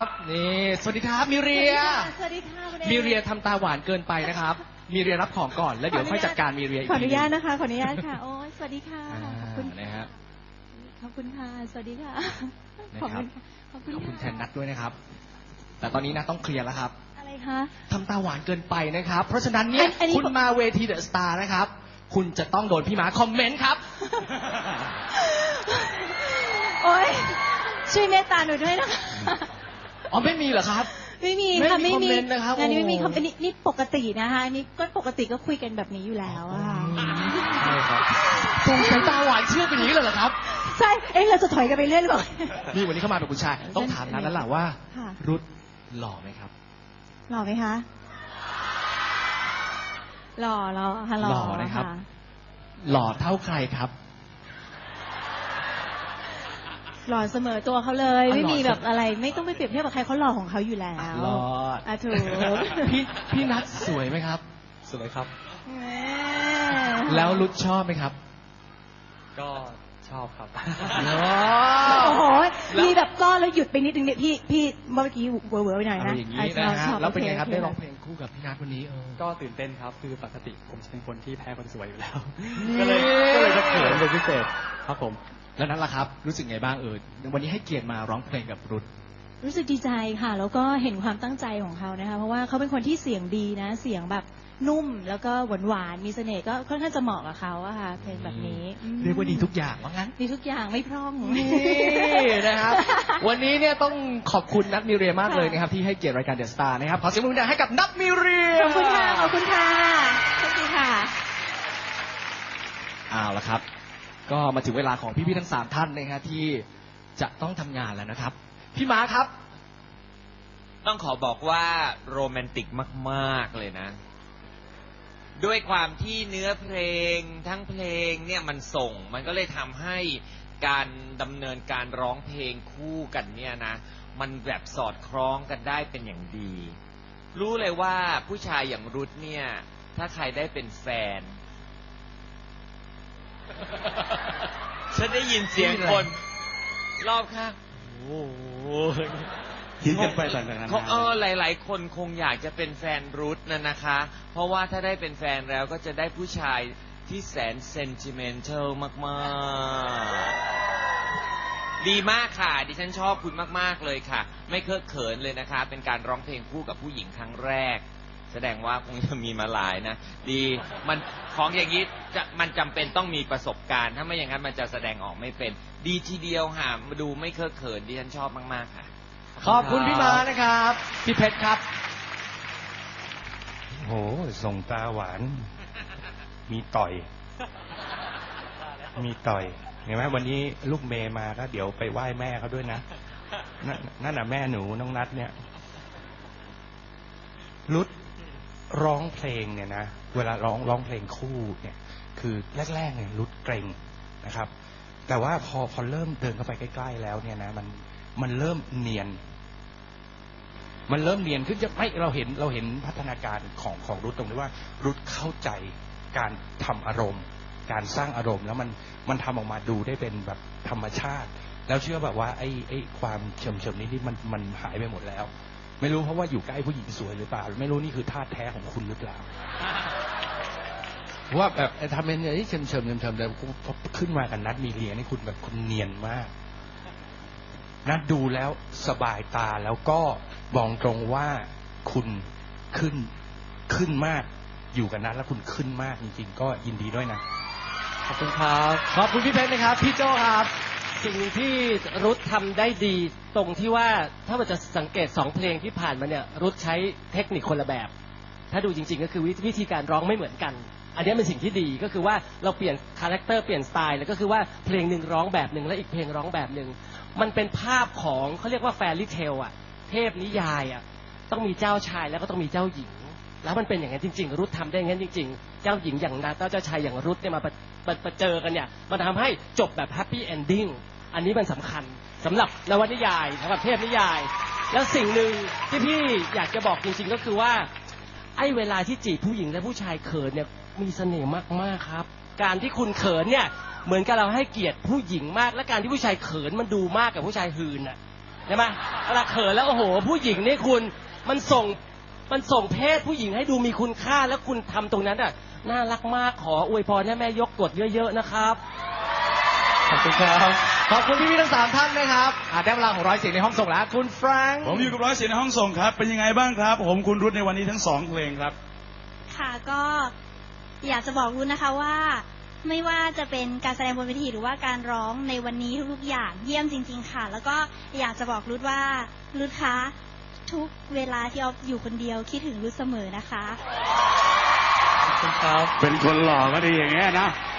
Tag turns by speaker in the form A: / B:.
A: นี่สวัสดีครับมิเรีย
B: สวัสดีค่ะ
A: มิเรียทำตาหวานเกินไปนะครับมิเรียรับของก่อนแล้วเดี๋ยวค่อยจัดการมิเรียอีกที
B: ขออนุญาตนะคะขออนุญาตค่ะโอ้ยสวัสดีค่ะขอบคุณ
A: นะฮะ
B: ขอบคุณค่ะสวัสดีค่ะ
A: ขอบคุณแทนนัทด้วยนะครับแต่ตอนนี้นะต้องเคลียร์แล้วครับ
B: อะไรคะ
A: ทำตาหวานเกินไปนะครับเพราะฉะนั้นเนี่ยคุณมาเวทีเดอะสตาร์นะครับคุณจะต้องโดนพี่หมาคอมเมนต์ครับ
B: โอ้ยช่วยเมตตาหนูด้วยนะคะ
A: อ๋อไม่มีเหรอครับ
B: ไม่มีค่ะไม่มี
A: นะครับ
B: งานนี้ไม่มีคอมเมนต์นี่ปกตินะคะนี่ก็ปกติก็คุยกันแบบนี้อยู่แล้วอะค่ะ
A: ใช่ครับตรงสายตาหวานเชื่อเป็นอย่างนี้เลยเหรอครับ
B: ใช่เราจะถอยกันไปเรื่อยหรือเปล่า
A: นี่วันนี้เข้ามาเป็นคุณชายต้องถามนั้นแล้วล่ะว่ารุธหล่อไหมครับ
B: หล่อไหมคะหล่อค่ะหล่อ
A: นะครับหล่อเท่าใครครับ
B: หล่อเสมอตัวเขาเลยไม่มีแบบอะไรไม่ต้องไปเปรียบเทียบกับใครเขาหล่อของเขาอยู่แล้ว
A: หล่อ
B: ถูก
A: พี่นัทสวยไหมครับ
C: สวยครับ
A: แล้วรุธชอบไหมครับ
C: ก็ชอบครับ
B: โอ้โหมีแบบก้อนแล้วหยุดไปนิดนึงเนี่ยพี่เมื่อกี้เวอร์ไปหน่อยนะ
A: อย่างนี้นะฮะแล้วเป็นไงครับได้ร้องเพลงคู่กับพี่นัทวันนี้
C: ก็ตื่นเต้นครับคือปกติผมจะเป็นคนที่แพ้คนสวยอยู่แล้วก็เลยจะเขินเป็นพิเศษครับผม
A: แล้วนั่นล่ะครับรู้สึกไงบ้างวันนี้ให้เกียรติมาร้องเพลงกับรุธ
B: รู้สึกดีใจค่ะแล้วก็เห็นความตั้งใจของเขานะคะเพราะว่าเขาเป็นคนที่เสียงดีนะเสียงแบบนุ่มแล้วก็หวานมีเสน่ห์ก็ค่อนข้างจะเหมาะกับเขาอะค่ะเพลงแบบนี้
A: เรียกว่าดีทุกอย่างว่างั้น
B: ดีทุกอย่างไม่พร่อง
A: นี่นะครับวันนี้เนี่ยต้องขอบคุณนัทมิเรียมากเลยนะครับที่ให้เกียรติรายการเดอะสตาร์นะครับขอเสียงปรบมือให้กับนัทมิเรีย
B: ขอบคุณค่ะขอบคุณค่ะขอบคุณค่ะ
A: เอาละครับก็มาถึงเวลาของพี่ๆทั้ง3ท่านนะฮะที่จะต้องทำงานแล้วนะครับพี่ม้าครับ
D: ต้องขอบอกว่าโรแมนติกมากๆเลยนะด้วยความที่เนื้อเพลงทั้งเพลงเนี่ยมันส่งมันก็เลยทำให้การดำเนินการร้องเพลงคู่กันเนี่ยนะมันแบบสอดคล้องกันได้เป็นอย่างดีรู้เลยว่าผู้ชายอย่างรุธเนี่ยถ้าใครได้เป็นแฟนฉันได้ยินเสียงคนรอบข้างโอ้โห
C: คิดกันไปต่างๆนา
D: นาหลายๆคนคงอยากจะเป็นแฟนรุธนะคะเพราะว่าถ้าได้เป็นแฟนแล้วก็จะได้ผู้ชายที่แสนเซนติเมนทัลมากๆดีมากค่ะดิฉันชอบคุณมากๆเลยค่ะไม่เคอะเขินเลยนะคะเป็นการร้องเพลงคู่กับผู้หญิงครั้งแรกแสดงว่าคงจะมีมาหลายนะดีมันของอย่างนี้มันจำเป็นต้องมีประสบการณ์ถ้าไม่อย่างนั้นมันจะแสดงออกไม่เป็นดีทีเดียวค่ะมาดูไม่เคอะเขินดิฉันชอบมากๆค่ะ
A: ขอบคุณพี่ม้านะครับพี่เพชรครับ
E: โหส่งตาหวานมีต่อยเห็นไหมวันนี้ลูกเมย์มาก็เดี๋ยวไปไหว้แม่เขาด้วยนะนั่นน่ะแม่หนูน้องนัทเนี่ยรุธร้องเพลงเนี่ยนะเวลาร้องเพลงคู่เนี่ยคือแรกๆเนี่ยรุธเกรงนะครับแต่ว่าพอเริ่มเดินเข้าไปใกล้ๆแล้วเนี่ยนะมันเริ่มเนียนขึ้นจะไม่เราเห็นพัฒนาการของรุธตรงที่ว่ารุธเข้าใจการทำอารมณ์การสร้างอารมณ์แล้วมันทำออกมาดูได้เป็นแบบธรรมชาติแล้วเชื่อแบบว่าไอ้ความเฉมนี้มันหายไปหมดแล้วไม่รู้เพราะว่าอยู่ใกล้ผู้หญิงสวยหรือเปล่าไม่รู้นี่คือธาตุแท้ของคุณหรือเปล่าว่าแบบทำเป็นอะไรที่เฉมแต่ขึ้นมากับนัทมีเรียนี่คุณแบบคุณเนียนมากนัทดูแล้วสบายตาแล้วก็บอกตรงว่าคุณขึ้นมากอยู่กับนัทแล้วคุณขึ้นมากจริงๆก็ยินดีด้วยนะ
A: ขอบคุณครับขอบคุณพี่เพชรนะครับพี่โจ้ครับ
F: สิ่งที่รุธทำได้ดีตรงที่ว่าถ้าเราจะสังเกต2เพลงที่ผ่านมาเนี่ยรุธใช้เทคนิคคนละแบบถ้าดูจริงๆก็คือวิธีการร้องไม่เหมือนกันอันนี้เป็นสิ่งที่ดีก็คือว่าเราเปลี่ยนคาแรคเตอร์เปลี่ยนสไตล์แล้วก็คือว่าเพลงหนึ่งร้องแบบหนึ่งและอีกเพลงร้องแบบหนึ่งมันเป็นภาพของเขาเรียกว่าแฟรี่เทลอะเทพนิยายอะต้องมีเจ้าชายแล้วก็ต้องมีเจ้าหญิงแล้วมันเป็นอย่างนั้นจริงๆรุธทำได้อย่างนั้นจริงๆเจ้าหญิงอย่างนาตาเจ้าชายอย่างรุธเนี่ยมาเจอกันเนี่ยมันทำให้จบแบบแฮปปี้เอนดิ้งอันนี้มันสำคัญสำหรับนวนิยายสำหรับเทพนิยายแล้วสิ่งหนึ่งที่พี่อยากจะบอกจริงๆก็คือว่าไอ้เวลาที่จีบผู้หญิงและผู้ชายเขินเนี่ยมีเสน่ห์มากๆครับการที่คุณเขินเนี่ยเหมือนกับเราให้เกียรติผู้หญิงมากและการที่ผู้ชายเขินมันดูมากกับผู้ชายหืนน่ะใช่ไหมเวลาเขินแล้วโอ้โหผู้หญิงนี่คุณมันส่งเพศผู้หญิงให้ดูมีคุณค่าแล้วคุณทำตรงนั้นอ่ะน่ารักมากขออวยพรให้แม่ยกกดเยอะๆนะครับ
C: ขอบคุณครับ
A: ขอบคุณพี่ๆทั้ง3ท่านนะครับได้เวลาของร้อยเสียงในห้องส่งแล้วคุณแฟรงค์
G: ผมอยู่กับร้อยเสียงในห้องส่งครับ เป็นยังไงบ้างครับ ผมคุณรุธในวันนี้ทั้ง2เพลงครับ
H: ค่ะก็อยากจะบอกรุ้นะคะว่าไม่ว่าจะเป็นการแสดงบนเวทีหรือว่าการร้องในวันนี้ทุกๆอย่างเยี่ยมจริงๆค่ะแล้วก็อยากจะบอกรุ้ว่ารุ้คะทุกเวลาที่ออฟอยู่คนเดียวคิดถึงรุ้เสมอนะคะ
C: ขอบคุณครับ
G: เป็นคนหล่อก็ดีอย่างเงี้ยนะ